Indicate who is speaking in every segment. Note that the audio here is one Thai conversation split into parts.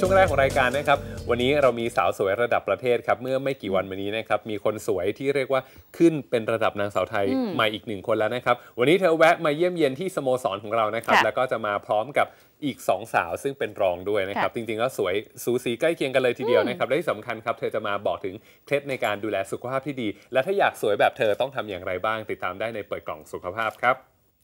Speaker 1: ช่วงแรกของรายการนะครับวันนี้เรามีสาวสวยระดับประเทศครับเมื่อไม่กี่วันมานี้นะครับมีคนสวยที่เรียกว่าขึ้นเป็นระดับนางสาวไทยใหม่อีก1 คนแล้วนะครับวันนี้เธอแวะมาเยี่ยมเยียนที่สโมสรของเรานะครับแล้วก็จะมาพร้อมกับอีก2 สาวซึ่งเป็นรองด้วยนะครับจริงๆแล้วสวยสูสีใกล้เคียงกันเลยทีเดียวนะครับและที่สำคัญครับเธอจะมาบอกถึงเคล็ดในการดูแลสุขภาพที่ดีและถ้าอยากสวยแบบเธอต้องทำอย่างไรบ้างติดตามได้ในเปิดกล่องสุขภาพครับ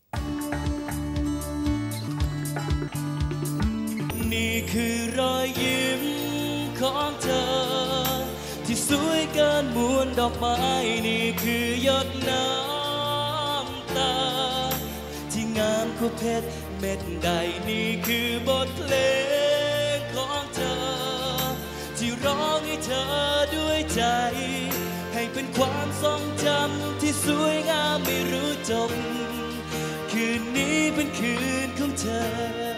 Speaker 2: นี่คือรอยยิ้มของเธอที่สวยเกินมวลดอกไม้นี่คือหยดน้ำตาที่งามกว่าเพชรเม็ดใดนี่คือบทเพลงของเธอที่ร้องให้เธอด้วยใจให้เป็นความทรงจำที่สวยงามไม่รู้จบคืนนี้เป็นคืนของเธอ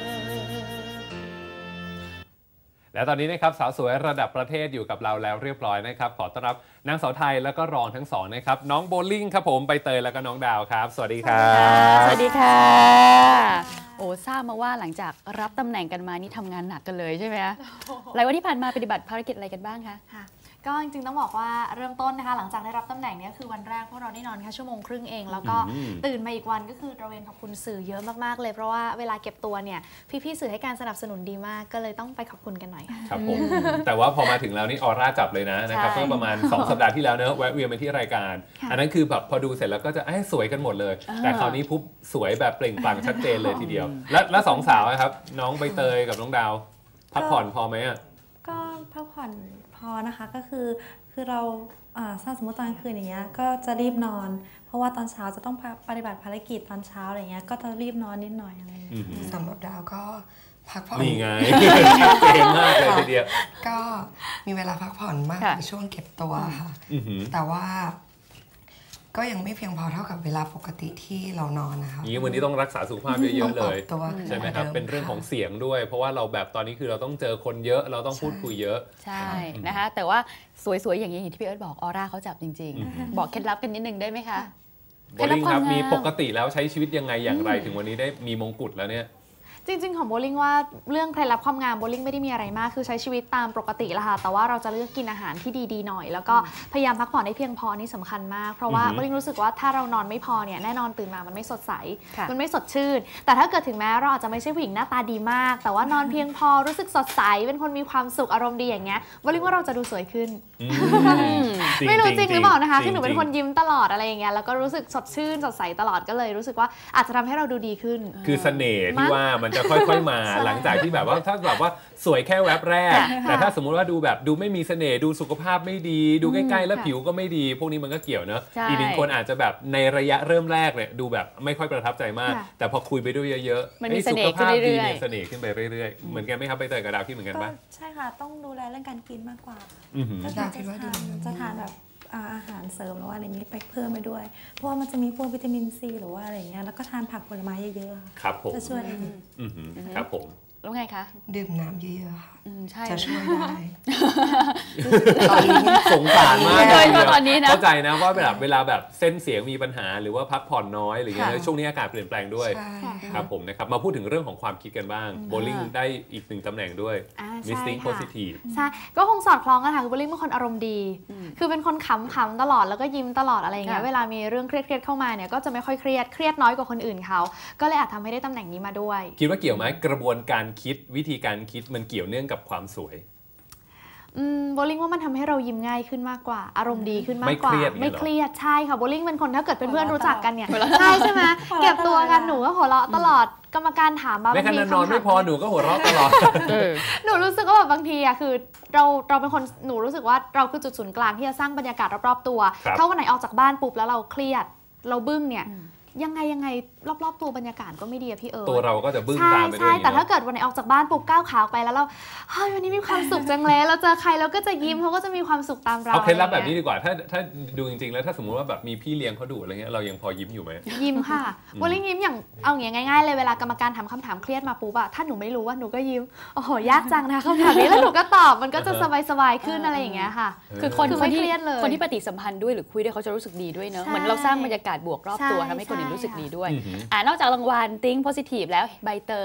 Speaker 1: และตอนนี้นะครับสาวสวยระดับประเทศอยู่กับเราแล้วเรียบร้อยนะครับขอต้อนรับนางสาวไทยแล้วก็รองทั้งสองนะครับน้องโบลิ่งครับผมใบเตยแล้วก็น้องดาวครับสวัสดีครับ
Speaker 3: สวัสดีค่ะโอ้ทราบมาว่าหลังจากรับตำแหน่งกันมานี่ทำงานหนักกันเลยใช่ไหมคะหลายวันที่ผ่านมาปฏิบัติภารกิจอะไรกันบ้างคะ
Speaker 4: ก็จริงๆต้องบอกว่าเริ่มต้นนะคะหลังจากได้รับตำแหน่งนี้คือวันแรกพวกเราได้นอนแค่1 ชั่วโมงเองแล้วก็ตื่นมาอีกวันก็คือตระเวนขอบคุณสื่อเยอะมากๆเลยเพราะว่าเวลาเก็บตัวเนี่ยพี่ๆสื่อให้การสนับสนุนดีมากก็เลยต้องไปขอบคุณกันหน่อย
Speaker 1: ครับผมแต่ว่าพอมาถึงแล้วนี่ออร่าจับเลยนะครับเมื่อประมาณ2 สัปดาห์ที่แล้วเนอะแวะเวียนไปที่รายการอันนั้นคือแบบพอดูเสร็จแล้วก็จะสวยกันหมดเลยแต่คราวนี้ปุ๊บสวยแบบเปล่งปลั่งชัดเจนเลยทีเดียวและ2 สาวครับน้องใบเตยกับน้องดาวพักผ่อนพอไหมอ่ะ
Speaker 5: ก็พักผ่อนพอนะคะก็คือเราถ้าสมมติตอนกลางคืนอย่างเงี้ยก็จะรีบนอนเพราะว่าตอนเช้าจะต้องปฏิบัติภารกิจตอนเช้าอะไรเงี้ยก็จะรีบนอนนิดหน่อยอะไรเงี้ย
Speaker 6: สำหรับดาวก็พักผ่อน
Speaker 1: นี่ไงเก่งมากเลยทีเดียว
Speaker 6: ก็มีเวลาพักผ่อนมากในช่วงเก็บตัวค่ะแต่ว่าก็ยังไม่เพียงพอเท่ากับเวลาปกติที่เรานอนนะคะ
Speaker 1: วันนี้ต้องรักษาสุขภาพเยอะๆเลยใช่ไหมครับเป็นเรื่องของเสียงด้วยเพราะว่าเราแบบตอนนี้คือเราต้องเจอคนเยอะเราต้องพูดคุยเยอะ
Speaker 3: ใช่นะคะแต่ว่าสวยๆอย่างนี้อย่างที่พี่เอิร์ธบอกออร่าเขาจับจริงๆบอกเคล็ดลับกันนิดนึงได้ไหมคะ
Speaker 1: โบลิ่งครับมีปกติแล้วใช้ชีวิตยังไงอย่างไรถึงวันนี้ได้มีมงกุฎแล้วเนี่ย
Speaker 4: จริงๆของโบลิ่งว่าเรื่องเคล็ดลับความงามโบลิ่งไม่ได้มีอะไรมากคือใช้ชีวิตตามปกติแหละค่ะแต่ว่าเราจะเลือกกินอาหารที่ดีๆหน่อยแล้วก็พยายามพักผ่อนให้เพียงพอนี่สำคัญมากเพราะว่าโบลิ่งรู้สึกว่าถ้าเรานอนไม่พอเนี่ยแน่นอนตื่นมามันไม่สดใสมันไม่สดชื่นแต่ถ้าเกิดถึงแม้เราอาจจะไม่ใช่ผู้หญิงหน้าตาดีมากแต่ว่านอนเพียงพอรู้สึกสดใสเป็นคนมีความสุขอารมณ์ดีอย่างเงี้ยโบลิ่งว่าเราจะดูสวยขึ้นไม่รู้จริงหรือเปล่านะคะคือหนูเป็นคนยิ้มตลอดอะไรอย่างเงี้ยแล้วก็รู้สึกสดชื่นสดใสตลอดก็เลยรู้สึกว่าอาจจะทำให้เราดูดีขึ้น
Speaker 1: คือเสน่ห์ที่ว่ามันจะค่อยๆมาหลังจากที่แบบว่าถ้าแบบว่าสวยแค่แวบแรกแต่ถ้าสมมุติว่าดูไม่มีเสน่ห์ดูสุขภาพไม่ดีดูใกล้ๆแล้วผิวก็ไม่ดีพวกนี้มันก็เกี่ยวเนอะอีก1 คนอาจจะแบบในระยะเริ่มแรกเนี่ยดูแบบไม่ค่อยประทับใจมากแต่พอคุยไปด้วยเยอะ
Speaker 3: ๆสุขภาพ
Speaker 1: ดีมีเสน่ห์ขึ้นไปเรื่อยๆเหมือนกันไหมครับไปเตยกับดาวคิดเหมือนกันปะ
Speaker 5: ใช่ค่ะต้องดูแลเรื่องการกินมากกว่าจะทานแบบอาหารเสริมหรือว่าอะไรนี้ไปเพิ่มไปด้วยเพราะว่ามันจะมีพวกวิตามินซีหรือว่าอะไรเงี้ยแล้วก็ทานผักผลไม้เยอะ
Speaker 1: ๆครับผม
Speaker 5: จะช่วยได้
Speaker 1: ครับผม
Speaker 3: แล้วไงคะ
Speaker 6: ดื่มน้ำเยอะๆค่ะ
Speaker 3: ใช่
Speaker 6: จะช่วยได้
Speaker 1: ตอนนี้สงสารมากเลยตอนนี้นะเข้าใจนะว่าเวลาแบบเส้นเสียงมีปัญหาหรือว่าพักผ่อนน้อยหรืออย่างเงี้ยช่วงนี้อากาศเปลี่ยนแปลงด้วยครับผมนะครับมาพูดถึงเรื่องของความคิดกันบ้างโบลิ่งได้อีก1 ตำแหน่งด้วย Missing Positive
Speaker 4: ใช่ก็คงสอดคล้องกันค่ะคือโบลิ่งเป็นคนอารมณ์ดีคือเป็นคนขำตลอดแล้วก็ยิ้มตลอดอะไรอย่างเงี้ยเวลามีเรื่องเครียดเข้ามาเนี่ยก็จะไม่ค่อยเครียดน้อยกว่าคนอื่นเขาก็เลยอาจทำให้ได้ตำแหน่งนี้มาด้วย
Speaker 1: คิดว่าเกี่ยวไหมกระบวนการคิดวิธีการคิดมันเกี่ยวเนื่องกับความสวย
Speaker 4: โบลิ่งว่ามันทำให้เรายิ้มง่ายขึ้นมากกว่าอารมณ์ดีขึ้นมากกว่าไม่เครียดใช่ค่ะโบลิ่งเป็นคนถ้าเกิดเป็นเพื่อนรู้จักกันเนี่ยใช่ไหมเก็บตัวกันหนูก็หัวเราะตลอดกรรมการถามมา
Speaker 1: ไม่ขนาดนอนไม่พอหนูก็หัวเราะตลอด
Speaker 4: หนูรู้สึกว่าแบบบางทีอะคือเราเป็นคนหนูรู้สึกว่าเราคือจุดศูนย์กลางที่จะสร้างบรรยากาศรอบๆตัวถ้าวันไหนออกจากบ้านปุ๊บแล้วเราเครียดเราบึ้งเนี่ยยังไงรอบๆตัวบรรยากาศก็ไม่ดีอะพี่เอิร์ธ
Speaker 1: ตัวเราก็จะบึ้งตามไปด้วย
Speaker 4: ใช่แต่ถ้าเกิดวันไหนออกจากบ้านปุ๊บก้าวขาไปแล้วเราเฮ้ยวันนี้มีความสุขจังเลยเราเจอใครเราก็จะยิ้มเขาก็จะมีความสุขตามเรา
Speaker 1: เอาเคล็ดลับแบบนี้ดีกว่าถ้าดูจริงๆแล้วถ้าสมมติว่าแบบมีพี่เลี้ยงเขาดุอะไรเงี้ยเรายังพอยิ้มอยู่ไหม
Speaker 4: ยิ้มค่ะวอลลิ่งยิ้มอย่างเอาอย่างง่ายๆเลยเวลากรรมการถามคำถามเครียดมาปุ๊บอะถ้าหนูไม่รู้ว่าหนูก็ยิ้มโอ้โหยากจังนะคำถามนี้แล้วหนูก็ตอบมันก็จะสบายๆขึ้นอะไรอย่างเงี้ยค่ะ
Speaker 3: คือคนที่ปฏิสัมพันธ์ด้วยหรือคุยด้วยเขาจะรู้สึกดีด้วยเนอะเหมือนเราสร้างบรรยากาศบวกรอบตัวทำให้คนอื่นรู้สึกดีด้วยนอกจากรางวัล Think Positive แล้วใบเตย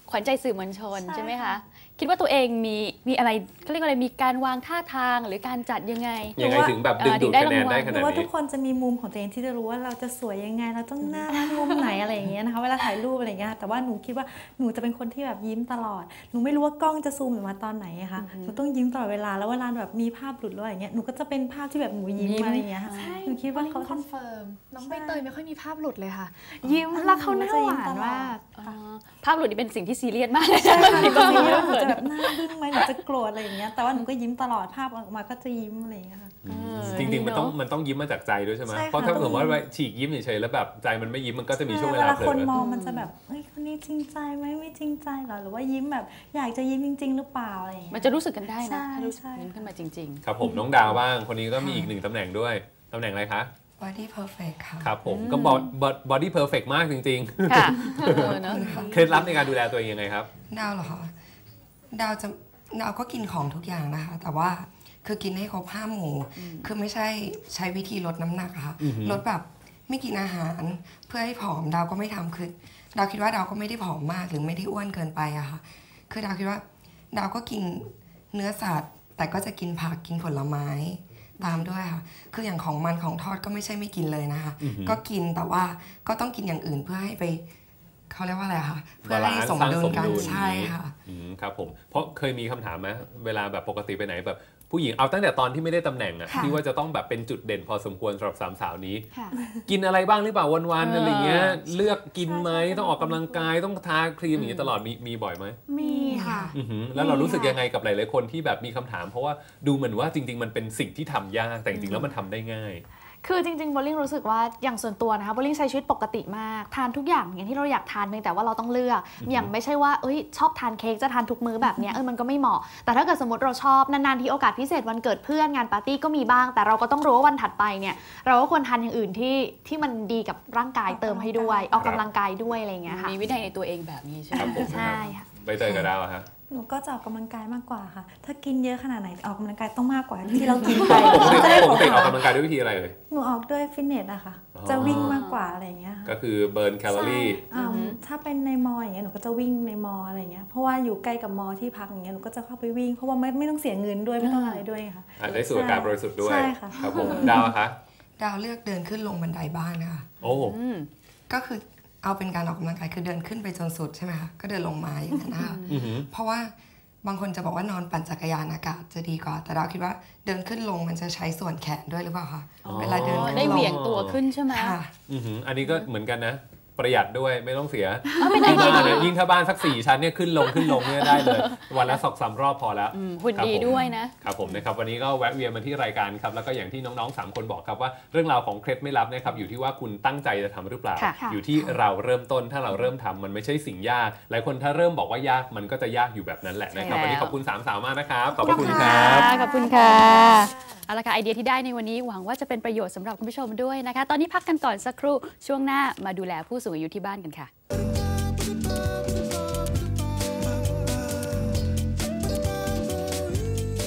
Speaker 3: ขวัญใจสื่อมวลชนใช่ไหมคะคิดว่าตัวเองมีอะไรเขาเรียกอะไรมีการวางท่าทางหรือการจัดยังไง
Speaker 1: ถึงแบบดึงดูดคะแนนได้ขนาดนี้
Speaker 5: หรือว่าทุกคนจะมีมุมของตัวเองที่จะรู้ว่าเราจะสวยยังไงเราต้องหน้ามุมไหนอะไรอย่างเงี้ยนะคะเวลาถ่ายรูปอะไรอย่างเงี้ยแต่ว่าหนูคิดว่าหนูจะเป็นคนที่แบบยิ้มตลอดหนูไม่รู้ว่ากล้องจะซูมหนูมาตอนไหนอะค่ะหนูต้องยิ้มตลอดเวลาแล้วเวลาแบบมีภาพหลุดหรืออะไรอย่างเงี้ยหนูก็จะเป็นภาพที่แบบหนูยิ้มอะไรอย่างเงี้ยค่ะหนูคิดว่าเขา
Speaker 4: คอนเฟิร์มน้องใบเตยไม่ค่อยมีภาพหลุดเลยค่ะยิ้มแล้วเขาหน้าหวานมาก
Speaker 3: ภาพหลุดนี่เป็นสิ่งที่ซีเรียสมาก
Speaker 5: ใช่ค่ะหนูจะแบบหน้าบึ้งไหมหนูจะโกรธอะไรอย่างเงี้ยแต่ว่าหนูก็ยิ้มตลอดภาพออกมาก็จะยิ้มอะไรอย่างเงี้ยค่ะ
Speaker 1: จริงๆมันต้องยิ้มมาจากใจด้วยใช่ไหมเพราะถ้าสมมติว่าฉีกยิ้มเฉยๆแล้วแบบใจมันไม่ยิ้มมันก็จะมีช่วงเวลาเผลอ
Speaker 5: คนมองมันจะแบบเฮ้ยคนนี้จริงใจไหมไม่จริงใจหรอหรือว่ายิ้มแบบอยากจะยิ้มจริงๆหรือเปล่าอะไรอย่างเงี้ย
Speaker 3: มันจะรู้สึกกันได้นะ
Speaker 5: ถ้า
Speaker 3: รู้สึกยิ้มขึ้นมาจริง
Speaker 1: ๆครับผมน้องดาวบ้างคนนี้ก็มีอีก1ตำแหน่งด้วยตำแหน่งอะไรคะ
Speaker 6: body perfect ค่ะ
Speaker 1: ครับผมก็ body perfect มากจริง
Speaker 3: ๆค่ะ
Speaker 1: เคล็ดลับในการดูแลตัวเองยังไงครับ
Speaker 6: ดาวเหรอคะดาวก็กินของทุกอย่างนะคะแต่ว่าคือกินให้ครบ5 หมู่คือไม่ใช่ใช้วิธีลดน้ำหนักค่ะลดแบบไม่กินอาหารเพื่อให้ผอมดาวก็ไม่ทำคือดาวคิดว่าดาวก็ไม่ได้ผอมมากหรือไม่ได้อ้วนเกินไปอะค่ะคือดาวคิดว่าดาวก็กินเนื้อสัตว์แต่ก็จะกินผักกินผลไม้ตามด้วยค่ะคืออย่างของมันของทอดก็ไม่ใช่ไม่กินเลยนะคะก็กินแต่ว่าก็ต้องกินอย่างอื่นเพื่อให้ไปเขาเรียกว่าอะไรคะเพื่อให้สมดุลกันใช่ค่ะ
Speaker 1: ครับผมเพราะเคยมีคำถามไหมเวลาแบบปกติไปไหนแบบผู้หญิงเอาตั้งแต่ตอนที่ไม่ได้ตำแหน่งอะที่ว่าจะต้องแบบเป็นจุดเด่นพอสมควรสำหรับ3 สาวนี้กินอะไรบ้างหรือเปล่าวันๆอะไรเงี้ยเลือกกินไหมต้องออกกำลังกายต้องทาครีมอย่างนี้ตลอดมีบ่อยไหม
Speaker 4: มีค่ะ
Speaker 1: แล้วเรารู้สึกยังไงกับหลายๆคนที่แบบมีคำถามเพราะว่าดูเหมือนว่าจริงๆมันเป็นสิ่งที่ทำยากแต่จริงๆแล้วมันทำได้ง่าย
Speaker 4: คือจริงๆโบลิ่งรู้สึกว่าอย่างส่วนตัวนะคะโบลิ่งใช้ชีวิตปกติมากทานทุกอย่างอย่างที่เราอยากทานเพียงแต่ว่าเราต้องเลือกอย่างไม่ใช่ว่าชอบทานเค้กจะทานทุกมื้อแบบนี้มันก็ไม่เหมาะแต่ถ้าเกิดสมมติเราชอบนานๆที่โอกาสพิเศษวันเกิดเพื่อนงานปาร์ตี้ก็มีบ้างแต่เราก็ต้องรู้ว่าวันถัดไปเนี่ยเราก็ควรทานอย่างอื่นที่มันดีกับร่างกายเติมให้ด้วยออกกำลังกายด้วยอะไรอย่างเงี้ยค่ะ
Speaker 3: มีวินัยในตัวเองแบบนี้ใช่ไหม
Speaker 4: ใช่ค่ะ
Speaker 1: ใบเตยกับดาวฮะ
Speaker 5: หนูก็จะออกกำลังกายมากกว่าค่ะถ้ากินเยอะขนาดไหนออกกำลังกายต้องมากกว่าที่เรากินไป
Speaker 1: ปกติออกกำลังกายด้วยวิธีอะไรเลย
Speaker 5: หนูออกด้วยฟิตเนสอะค่ะจะวิ่งมากกว่าอะไรอย่างเงี้ย
Speaker 1: ก็คือเบิร์นแคลอรี่
Speaker 5: ถ้าเป็นในมออย่างเงี้ยหนูก็จะวิ่งในมออะไรเงี้ยเพราะว่าอยู่ใกล้กับมอที่พักอย่างเงี้ยหนูก็จะเข้าไปวิ่งเพราะว่าไม่ต้องเสียเงินด้วยไม่ต้องอะไรด้วยค่ะ
Speaker 1: ได้สูดอากาศบริสุทธิ์ด้วย
Speaker 5: ใช่ค่ะ
Speaker 1: ครับผมดาวคะ
Speaker 6: ดาวเลือกเดินขึ้นลงบันไดบ้านนะคะ
Speaker 1: โอ้
Speaker 6: ก็คือเอาเป็นการออกกำลังกายคือเดินขึ้นไปจนสุดใช่ไหมคะก็เดินลงมาอย่างนั้นนะคะเพราะว่าบางคนจะบอกว่านอนปั่นจักรยานอากาศจะดีกว่าแต่เราคิดว่าเดินขึ้นลงมันจะใช้ส่วนแขนด้วยหรือเปล่าคะเวลาเดินขึ้นลง
Speaker 3: ได้เหวี่ยงตัวขึ้นใช่ไหม
Speaker 1: อันนี้ก็เหมือนกันนะประหยัดด้วยไม่ต้องเสียที่บ้านยิ่งถ้าบ้านสัก4 ชั้นเนี่ยขึ้นลงเนี่ยได้เลยวันละ2-3 รอบพอแล้ว
Speaker 3: หุ่นดีด้วยนะ
Speaker 1: ครับผมนะครับวันนี้ก็แวะเวียนมาที่รายการครับแล้วก็อย่างที่น้องๆ3 คนบอกครับว่าเรื่องราวของเคล็ดไม่ลับนะครับอยู่ที่ว่าคุณตั้งใจจะทำหรือเปล่าอยู่ที่เราเริ่มต้นถ้าเราเริ่มทำมันไม่ใช่สิ่งยากหลายคนถ้าเริ่มบอกว่ายากมันก็จะยากอยู่แบบนั้นแหละนะครับวันนี้ขอบคุณ3 สาวมากนะครับขอบคุณครับ
Speaker 3: ขอบคุณค่ะเอาละค่ะไอเดียที่ได้ในวันนี้หวังว่าจะเป็นประโยชน์สำหรับคุณผู้ชมด้วยนะคะตอนนี้พักกันก่อนสักครู่ช่วงหน้ามาดูแลผู้สูงอายุที่บ้านกันค่ะ